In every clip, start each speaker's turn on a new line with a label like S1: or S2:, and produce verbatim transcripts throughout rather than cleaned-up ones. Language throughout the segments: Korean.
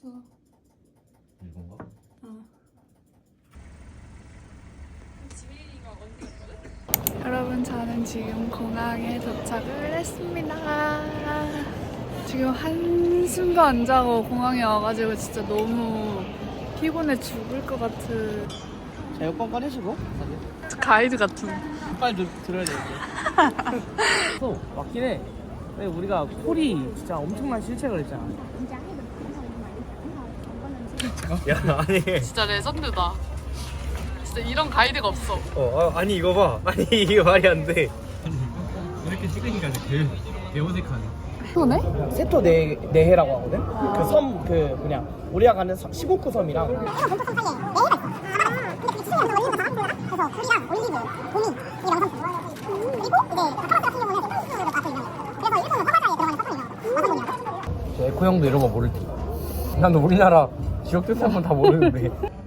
S1: 어.
S2: 이건가?
S1: 어. 여러분, 저는 지금 공항에 도착을 했습니다. 지금 한숨도 안 자고 공항에 와가지고 진짜 너무 피곤해 죽을 것 같은.
S3: 자, 여권 꺼내시고
S1: 가이드 같은.
S3: 빨리 들, 들어야 돼 이제. 또 맞긴 해. 근데 우리가 콜이 진짜 엄청난 실책을 했잖아.
S2: 야 아니
S1: 진짜 레전드다. 진짜 이런 가이드가 없어.
S2: 어 아, 아니 이거 봐 아니 이게 말이 안돼
S4: 이렇게 찍으니까 개, 개 어색하네.
S1: 또네?
S3: 세토 네, 네해라고 하거든? 그 섬, 그 뭐냐 우리가 가는 섬, 십오 구 섬이랑
S5: 그래서 굴이랑 올리브, 도미 이게 명성품 그리고 이제 타바스 같은 경우는 콩쿠르를 맛을 유명해요. 그래서 일본은 화바자에 들어가는 서성이에요. 와사비랑
S3: 저 에코 형도 이런 거 모를 테. 난 우리나라 지역 특산물 다 모르는데.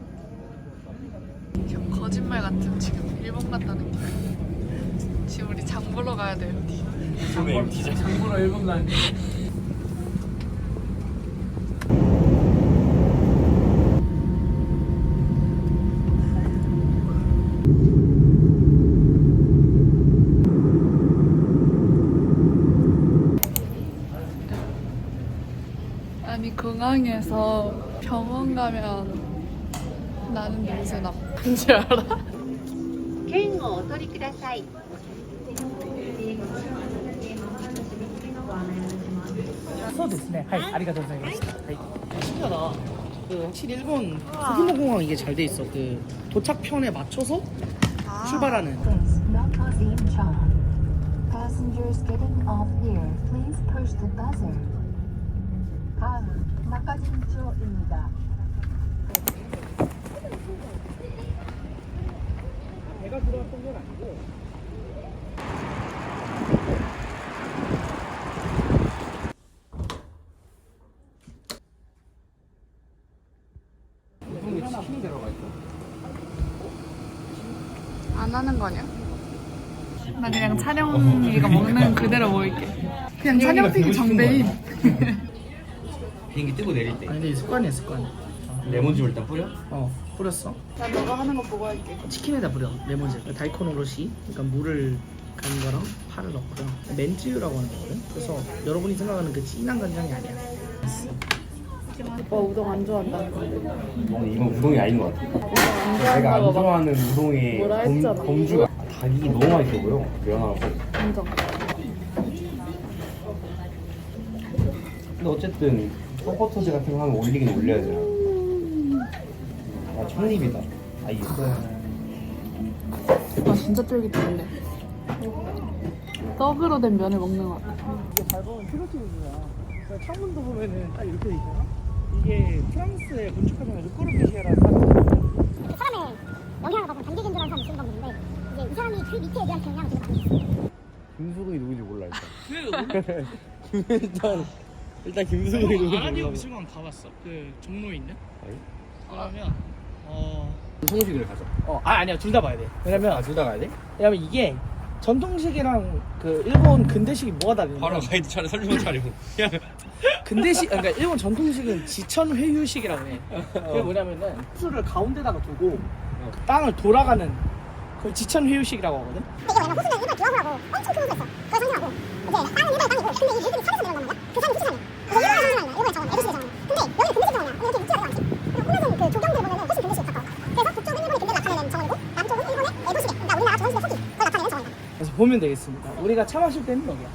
S1: 거짓말 같은 지금 일본 갔다는 게. 지금 우리 장 보러 가야 돼요.
S2: 장볼
S3: 장보러 일본 간.
S1: 아니, 공항에서 병원 가면 나는 냄새 나. 뭔지 알아?
S6: 券をお取りください。
S3: 소 됐네. 하이, 아리가토 고자이마스. 하이. 신기하다. 그 확실히 일본 소규모 공항 이게 잘 돼 있어. 그 도착편에 맞춰서 출발하는.
S7: Not causing charm. Passengers getting off here, please push the buzzer. 다음 낙하진초입니다.
S3: 배가 들어왔던 건 아니고. 무슨 치킨이 들어가 있어?
S1: 안 하는 거냐? 나 그냥 찬영이가 먹는 그대로 먹을게. 그냥 찬영픽이 정대인.
S2: 비행기 뜨고 내릴 때
S3: 아니 근데 습관이야 습관.
S2: 레몬즙을 일단 뿌려?
S3: 어 뿌렸어.
S1: 나 너가 하는 거 보고 할게.
S3: 치킨에다 뿌려 레몬즙. 다이콘 오롯이 그러니까 물을 간 거랑 파를 넣고요. 맨쯔유라고 하는 거거든. 그래서 여러분이 생각하는 그 진한 간장이 아니야.
S1: 오빠 우동 안 좋아한다는 건데.
S2: 어, 이건 우동이 아닌 것 같아 내가 안 좋아하는 우동의
S1: 뭐라 했잖아.
S2: 범, 범주가 닭이 너무 맛있어 보여 면하고
S1: 인정.
S2: 근데 어쨌든 서포터즈 같은 거 하면 올리긴 올려야 되나 아 첫입이다 아 이게
S1: 아, 진짜 쫄깃한데. 떡으로 된 면을 먹는 것 같아.
S3: 이게 밟으면 피로티브야. 창문도 보면은 딱 이렇게 돼 있잖아. 이게 프랑스의 건축가장 르코르비시에라는 사람이
S5: 사람의 영향을 받은 단기 견조라는 사람이 쓴 건데 이제 이 사람이 그 밑에 대한 경향을 지금 받고 있어요.
S2: 김수근이 누군지 몰라 일단
S3: 그 일단 일단 김수근이 누군지
S4: 아라디오
S3: 몰라.
S4: 미술관 가봤어. 그 종로에 있는.
S2: 아니?
S4: 그러면 어
S2: 성식을 가자
S3: 어, 아 아니야 둘 다 봐야 돼. 왜냐면
S2: 아 둘 다 가야 돼?
S3: 왜냐면 이게 전통식이랑 그 일본 근대식이 뭐가 다르냐면
S4: 바로 가이드 차례 설명 차려.
S3: 근대식 그러니까 일본 전통식은 지천 회유식이라고 해. 그게 뭐냐면은 수를 가운데다가 두고 그 땅을 돌아가는 그걸 지천 회유식이라고 하거든.
S5: 이게 왜냐면 호수는 일본 기와후라고 엄청 큰 호수였어. 그걸 상징하고 이제 땅은 일본의 땅이고 근데 이 물들이 산에서 내려오는 거야. 그 산이 호수산이야. 그래서 일본의 상징하는 거야. 일본의 정원, 에도시대 정원. 근데 여기 근대식 정원이야. 여기 육지가 되지 않지. 그리고 호수는 그 조경들 보면은 훨씬 근대식에 가까워. 그래서 북쪽은 일본의 근대를 나타내는 정원이고 남쪽은 일본의 에도시대. 그러니까 우리나라 조선시대 후기 그걸 나타내는 정원이다.
S3: 그래서 보면 되겠습니다. 우리가 차 마실 때는 여기야.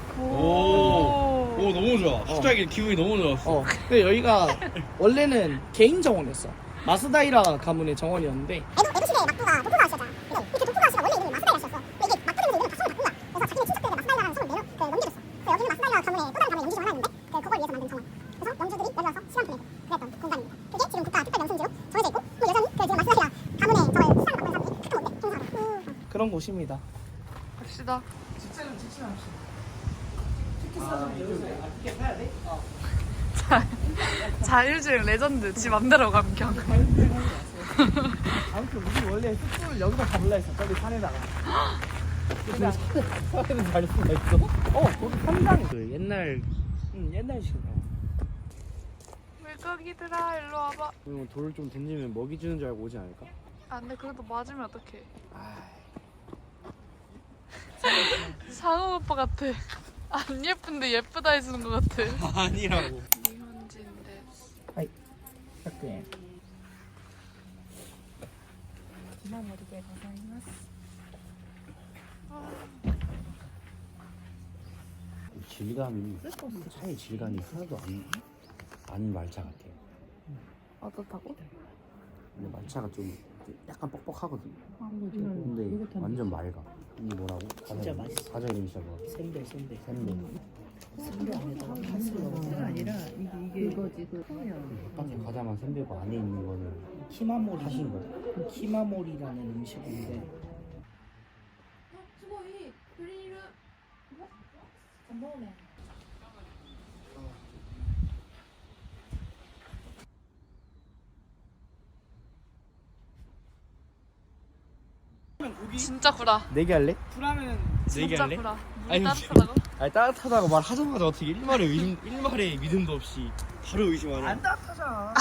S4: 오, 오 너무 좋아. 갑자기 기분이 너무 좋았어.
S3: 어. 근데 여기가 원래는 개인 정원이었어. 마스다이라 가문의 정원이었는데
S5: 에도, 에도시대의 막부가 도쿠가와 씨였잖아. 근데 이그 도쿠가와 씨가 원래 이름이 마스다이라 씨였어. 근데 이게 막부 되면서 이름을 다 성을 바꾼 거야. 그래서 자기네 친척들에게 마스다이라는 성을 내려 그 넘겨줬어. 그래서 여기는 마스다이라 가문의 또 다른 가문의 영지 중 하나였는데 그 그걸 위해서 만든 정원. 그래서 영주들이 여기 와서 시간 보내고 그랬던 공간입니다. 그게 지금 국가 특별 명승지로 정해져 있고 뭐 여전히 그 지금 마스다이라 가문의 저걸 시간을 바꾸는 사람들이 크게 못돼 행사하고.
S3: 그런 곳입니다.
S1: 갑시다.
S3: 직장은 직진합시다. 티켓 사전 여기서 아, 티켓 사야 돼? 어.
S1: 자, 자율주행 레전드. 지 맘대로 감겨.
S3: 아무튼 우리 원래 숙소를 여기다 잡을라 했어. 저기 산에다가. 근데 산에는 잘 수가 있어. 어, 거기 산장. 그 옛날, 응, 옛날식.
S1: 왜 찌꺼기들아 일로 와봐.
S2: 그러면 돌을 좀 던지면 먹이 주는 줄 알고 오지 않을까?
S1: 아 근데 그래도 맞으면 어떡해. 상우 오빠 같아. 안 예쁜데 예쁘다 해주는 것 같아.
S2: 아니라고.
S1: 일본인데.
S3: ひゃくえん。
S2: 질감이 차의 질감이 하나도 안, 안 말차 같아.
S1: 어떻다고?
S2: 근데 말차가 좀 약간 뻑뻑하거든. 근데 완전 맑아. 이게 뭐라고?
S3: 진짜
S2: 과자,
S3: 맛있어.
S2: 과자 이름이 진짜 뭐야?
S3: 샌베 샌베.
S2: 샌베.
S3: 샌베 안에다가 팥을 넣어서 아니라 이게 이게 이거지 그
S2: 바깥에 과자만 샌베고 안에 있는 거는
S3: 키마모리
S2: 하신 거야?
S3: 키마모리라는 음식인데
S1: 진짜 구라.
S2: 내기 할래?
S3: 굴하면
S1: 진짜
S2: 얘기할래?
S1: 구라. 물이
S2: 아니,
S1: 따뜻하다고?
S2: 아니 따뜻하다고 말하자마자 어떻게 일말의 의심, 일말의 믿음도 없이 바로 의심하네.
S3: 안 따뜻하잖아.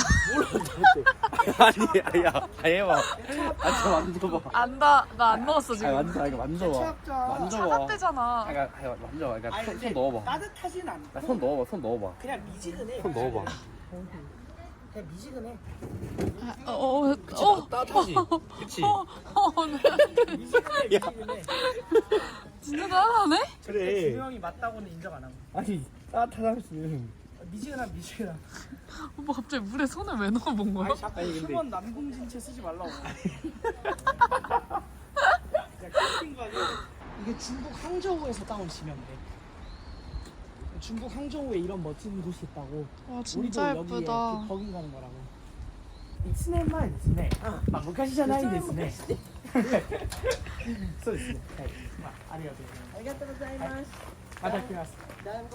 S2: 아니, 야, 아니 해봐. 아, 저 만져봐.
S1: 안다. 나 안 넣었어
S2: 아니
S1: 지금.
S2: 만져, 아니 만져봐.
S3: 차갑자.
S2: 만져봐.
S1: 차갑대잖아.
S2: 아니, 아니 만져봐. 그러니까
S3: 아니,
S2: 손,
S3: 근데
S2: 손 넣어봐.
S3: 따뜻하진 않고
S2: 나 손 넣어봐, 손 넣어봐.
S3: 그냥 미지근해.
S2: 손 넣어봐.
S3: 그냥 미지근해.
S1: 어, 어, 어,
S2: 따뜻하지? 그치?
S1: 어, 어, 네.
S3: 미지근해 미지근해.
S1: 진짜 따뜻하네?
S3: 근데 준호 형이 맞다고는 인정 안 하고.
S2: 아니 따뜻하지.
S3: 미지근한 미지근한.
S1: 오빠 갑자기 물에 손을 왜 넣어본 거야?
S3: 아니 자꾸
S2: 아니, 근데-
S3: 수건 남궁진채 쓰지 말라고. 캠핑 가면 이게 중국 항저우에서 따온 지명이래. 중국 항저우에 이런 멋진 곳이 있다고.
S1: 와 진짜
S3: 우리도 여기에
S1: 예쁘다.
S3: 그 버긴 가는 거라고. 일年前ですね。まあ昔じゃないんですね。そうですね。はい。まあありがとうございます。ありがとうございます。また来ます。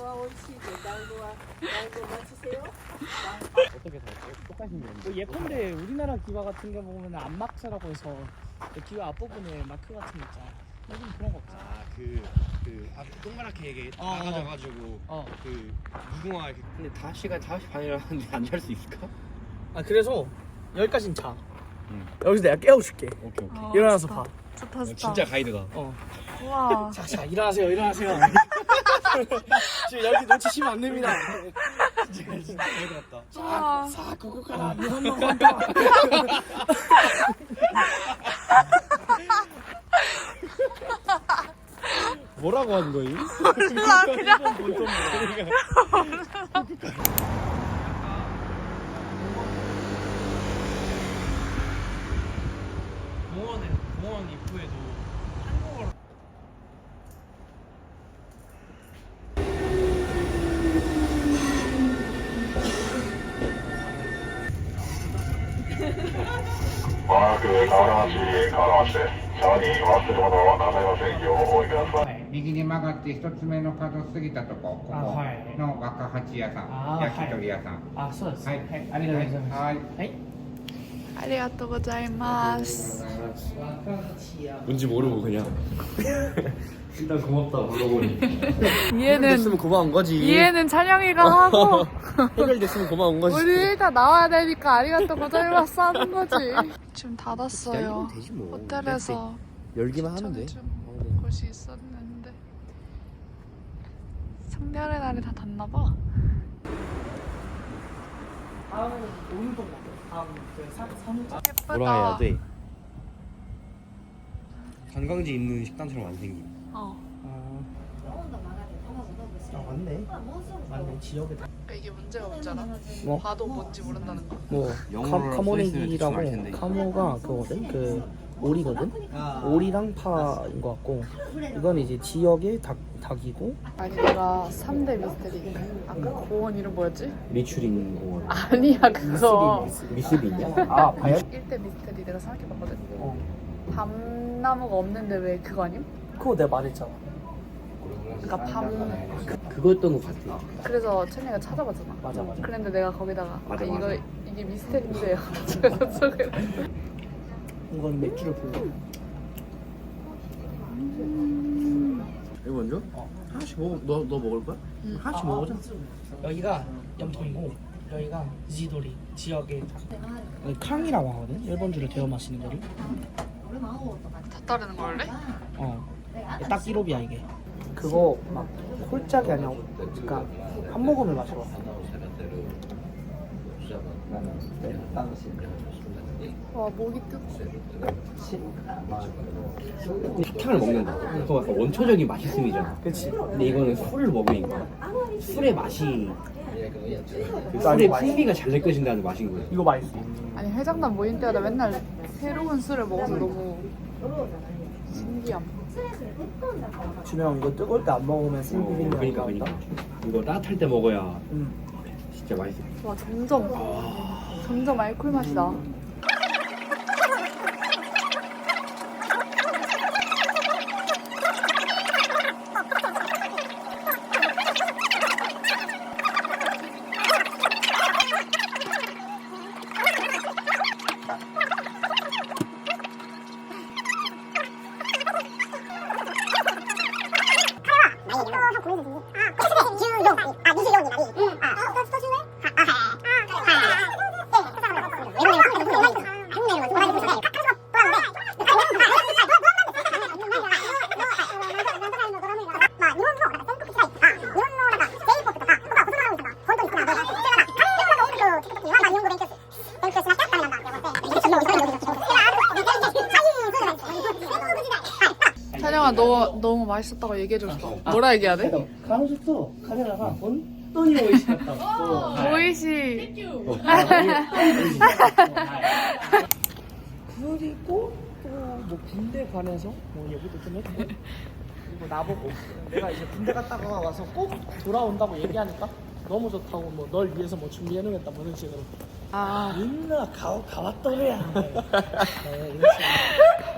S2: 어떻게 다 똑같은 게
S3: 뭐 예컨대 우리나라 기와 같은 게 보면 안막차라고 해서 그 기와 앞부분에 마크 같은 거 있잖아. 요즘 그런 거 없잖아.
S2: 아그 그 앞 동그랗게 이게
S3: 어, 어.
S2: 나가져가지고
S3: 어.
S2: 그 무궁화 이렇게. 근데 다섯 시간 다섯 시 반이라는데 안 잘 수 있을까?
S3: 아 그래서 여기까진 자.
S2: 응.
S3: 여기서 내가 깨워줄게.
S2: 오케이 오케이.
S1: 어,
S3: 일어나서
S1: 좋다.
S3: 봐.
S1: 좋다 좋다.
S2: 진짜 가이드다.
S3: 어.
S1: 우와.
S3: 자, 자, 일어나세요, 일어나세요. 지금 여기 놓치시면 안 됩니다.
S2: 진짜 진짜 가이드 같다.
S1: 우와.
S3: さあ、ここから日本の本当。
S2: 뭐라고 하는 거임?
S1: 몰라 그냥.
S2: 공원에 공원 입구에도 한국어로.
S8: はい、右に曲がって一つ目の角過ぎたとこ、ここ
S3: あはい
S8: の若八屋さ
S3: あ
S8: ん、焼き鳥屋さん。
S3: あ、そうです。
S8: はい、
S3: ありがとうございます。
S8: はい。
S3: はい。
S1: ありがとうございます。
S2: 뭔지 모르고 그냥. 일단 고맙다 물어보니.
S1: 이해는
S2: 됐으면 고마운 거지.
S1: 이해는 찬영이가 하고
S2: 해결됐으면 고마운 거지.
S1: 우리 일단 나와야 되니까 아리가또 고자이마스 하는 거지. 지금 닫았어요.
S2: 기다리면 되지 뭐.
S1: 호텔에서
S2: 열기만 하면 돼.
S1: 추천해준 곳이 있었는데 성별의 날이 다 닫나 봐.
S3: 다음에는 오른쪽 먹어. 다음 그 사, 삼.
S1: 예쁘다.
S2: 뭐라 해야 돼? 관광지 있는 식당처럼 안 생김.
S1: 어.
S3: 아 맞네. 맞네. 지역에 다.
S1: 그러니까 이게 문제가 없잖아.
S3: 뭐?
S1: 봐도 뭔지 모른다는 거.
S3: 뭐
S2: 영어로
S3: 카,
S2: 써 있으면 좀
S3: 카모네기라고
S2: 알 텐데.
S3: 카모가 그거거든. 그 오리거든. 오리랑 파인 것 같고 이건 이제 지역의 닭 닭이고.
S1: 아니 내가 삼 대 미스테리 아까 공원 이름 뭐였지?
S2: 미추린 공원.
S1: 아니야 그거
S2: 미스비냐?
S3: 아 봐요?
S1: 일 대 미스테리 내가 생각해봤거든.
S3: 어.
S1: 밤나무가 없는데 왜 그거 아님?
S3: 그거 내가 말했잖아.
S1: 그러니까 밤
S2: 그거였던 것 같아.
S1: 그래서 천이가 찾아봤잖아.
S3: 맞아 맞아.
S1: 그랬는데 내가 거기다가
S2: 맞아,
S1: 아, 이거
S2: 맞아.
S1: 이게 미스테리인데요. 제가 속에
S3: 이건 맥주를 불러.
S2: 이거 먼저?
S3: 어.
S2: 하나씩 먹어. 너, 너 먹을 거야?
S1: 응.
S2: 하나씩
S3: 아,
S2: 먹어보자.
S3: 여기가 염통이고 여기가 이지도리 지역의 여기 캉이라고 하거든. 일본주를 데워 마시는 거를.
S1: 다 따르는 걸래?
S3: 어. 딱 일옵이야 이게. 그거 막 홀짝이 아니야. 그러니까 한 모금을 마셔.
S1: 와 목이 뜨거.
S2: 사탕을 먹는다. 그거 약간 원초적인 맛있음이잖아.
S3: 그치.
S2: 근데 이거는 술을 먹으니까 술의 맛이 그
S3: 나
S2: 술의
S3: 이거 맛있어.
S2: 풍미가 잘 느껴진다는 맛인 거야.
S3: 이거 맛있어.
S1: 아니 회장단 모임 때마다 맨날 새로운 술을 먹어서 너무 신기함.
S3: 준영 이거 뜨거울 때 안 먹으면 생비빔이
S2: 그러니까
S3: 아닌가
S2: 그러니까
S3: 보다.
S2: 이거 따뜻할 때 먹어야
S3: 응.
S2: 진짜 맛있어.
S1: 와 점점 점점 알코올 맛이 나. 찬영아 너 너무 맛있었다고 얘기해줬어. 뭐라 얘기해야 돼?
S3: 가로수도 카메라가 온돈이 오이시였다고.
S1: 보이시.
S3: 그리고 또 뭐 군대 관해서 뭐 얘기도 좀 했고 그리고 나보고 내가 이제 군대 갔다가 와서 꼭 돌아온다고 얘기하니까 너무 좋다고 뭐 널 위해서 뭐 준비해놓겠다 뭐 이런 식으로
S1: 아
S3: 민나 가, 가왔더래야 네, 이런 식으로